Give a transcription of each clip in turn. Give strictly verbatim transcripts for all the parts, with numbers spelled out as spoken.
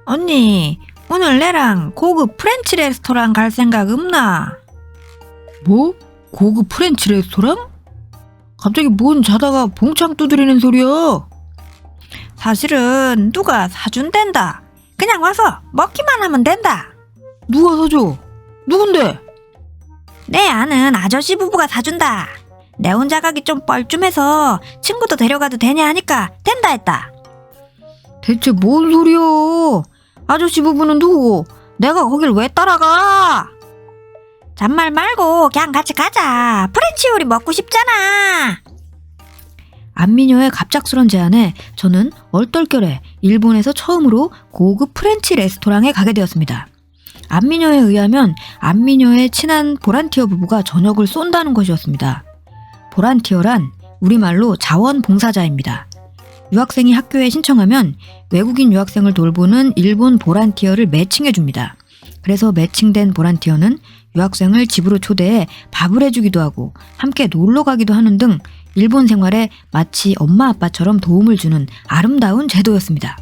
언니, 오늘 내랑 고급 프렌치 레스토랑 갈 생각 없나? 뭐? 고급 프렌치 레스토랑? 갑자기 뭔 자다가 봉창 두드리는 소리야? 사실은 누가 사준댄다. 그냥 와서 먹기만 하면 된다. 누가 사줘? 누군데? 내 아는 아저씨 부부가 사준다. 내 혼자 가기 좀 뻘쭘해서 친구도 데려가도 되냐 하니까 된다 했다. 대체 뭔 소리야? 아저씨 부부는 누구고 내가 거길 왜 따라가? 잔말 말고 그냥 같이 가자. 프렌치 요리 먹고 싶잖아. 안미녀의 갑작스런 제안에 저는 얼떨결에 일본에서 처음으로 고급 프렌치 레스토랑에 가게 되었습니다. 안미녀에 의하면 안미녀의 친한 보란티어 부부가 저녁을 쏜다는 것이었습니다. 보란티어란 우리말로 자원봉사자입니다. 유학생이 학교에 신청하면 외국인 유학생을 돌보는 일본 보란티어를 매칭해줍니다. 그래서 매칭된 보란티어는 유학생을 집으로 초대해 밥을 해주기도 하고 함께 놀러 가기도 하는 등 일본 생활에 마치 엄마 아빠처럼 도움을 주는 아름다운 제도였습니다.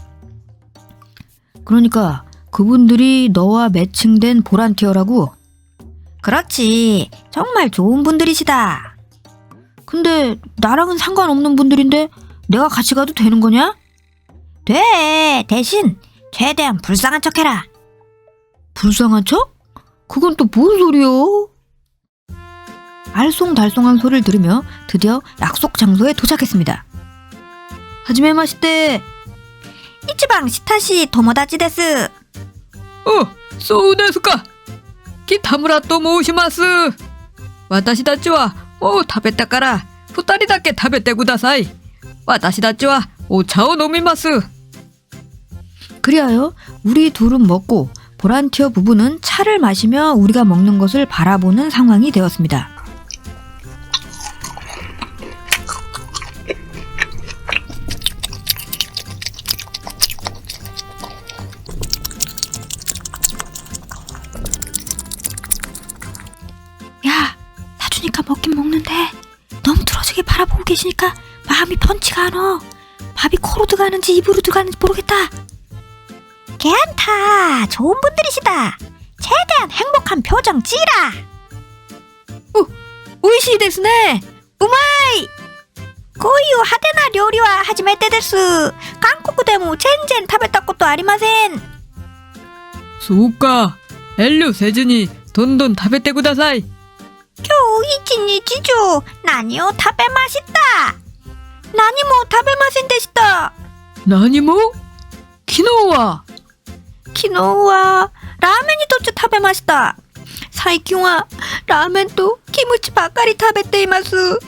그러니까 그분들이 너와 매칭된 보란티어라고? 그렇지. 정말 좋은 분들이시다. 근데 나랑은 상관없는 분들인데 내가 같이 가도 되는 거냐? 돼. 대신 최대한 불쌍한 척해라. 불쌍한 척? 그건 또 뭔 소리야? 알쏭달쏭한 소리를 들으며 드디어 약속 장소에 도착했습니다. 하지메 마시테. 이치방 시타시 토모다치 데스. 어,そうですか。キタムラと申します。私たちはもう食べたから二人だけ食べてください。私たちはお茶を飲みます。 그리하여 우리 둘은 먹고 보란티어 부부는 차를 마시며 우리가 먹는 것을 바라보는 상황이 되었습니다. 야, 사주니까 먹긴 먹는데 너무 틀어지게 바라보고 계시니까 마음이 펀치가 안 와. 밥이 코로 들어가는지 입으로 들어가는지 모르겠다. 괜찮다. 좋은 분들이시다. 최대한 행복한 표정 찌라. 오, 오이시 데스네. 우마이. 고유 하데나 요리와 하지메테 데스. 한국でも 全然食べたことありません。 そうか。遠慮せずにどんどん食べてください。 今日一日中何を食べました？何も食べませんでした。 何も？昨日は？ 昨日はラーメンにとって食べました。最近はラーメンとキムチばっかり食べています。ううう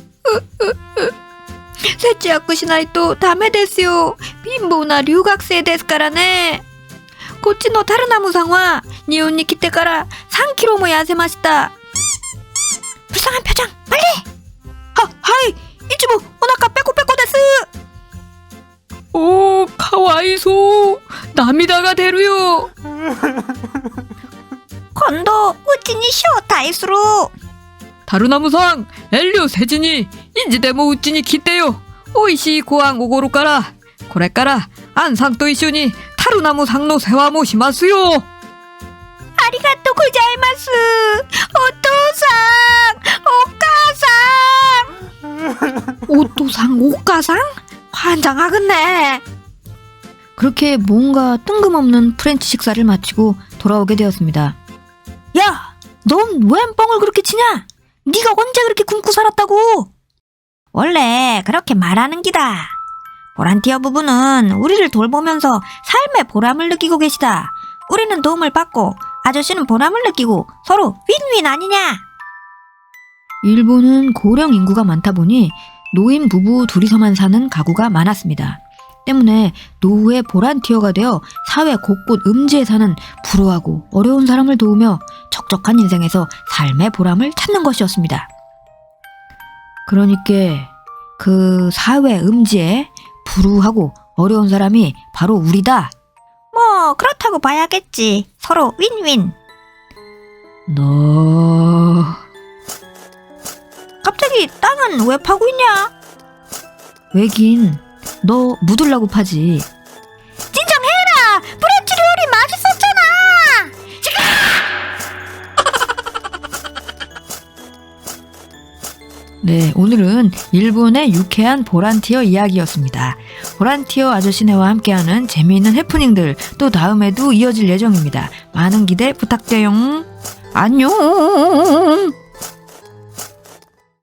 節約しないとダメですよ。貧乏な留学生ですからね。こっちのタルナムさんは日本に来てからさんキロも痩せました。불쌍한 표정 빨리. 하, 하이. 이치부 오나카 빼꼬빼꼬 데스. 오, 카와이소. 나미다가 되루요. 今度うちに招待する。 タルナムさん、遠慮せずにいつでもうちに来てよ。おいしいご飯おごるから。これからアンさんと一緒にタルナムさんの世話もしますよ。 ありがとうございます。お父さん、お母さん。 오토상, 오가상? 환장하겠네. 그렇게 뭔가 뜬금없는 프렌치 식사를 마치고 돌아오게 되었습니다. 야, 넌 웬 뻥을 그렇게 치냐? 네가 언제 그렇게 굶고 살았다고? 원래 그렇게 말하는 기다. 보란티어 부부는 우리를 돌보면서 삶의 보람을 느끼고 계시다. 우리는 도움을 받고 아저씨는 보람을 느끼고 서로 윈윈 아니냐? 일본은 고령 인구가 많다 보니 노인 부부 둘이서만 사는 가구가 많았습니다. 때문에 노후의 보란티어가 되어 사회 곳곳 음지에 사는 불우하고 어려운 사람을 도우며 적적한 인생에서 삶의 보람을 찾는 것이었습니다. 그러니까 그 사회 음지에 불우하고 어려운 사람이 바로 우리다. 뭐 그렇다고 봐야겠지. 서로 윈윈. 너... 갑자기 땅은 왜 파고 있냐? 왜긴 너 묻으려고 파지. 진정해라. 프렌치 요리 네, 오늘은 일본의 유쾌한 보란티어 이야기였습니다. 보란티어 아저씨네와 함께하는 재미있는 해프닝들 또 다음에도 이어질 예정입니다. 많은 기대 부탁드려요. 안녕.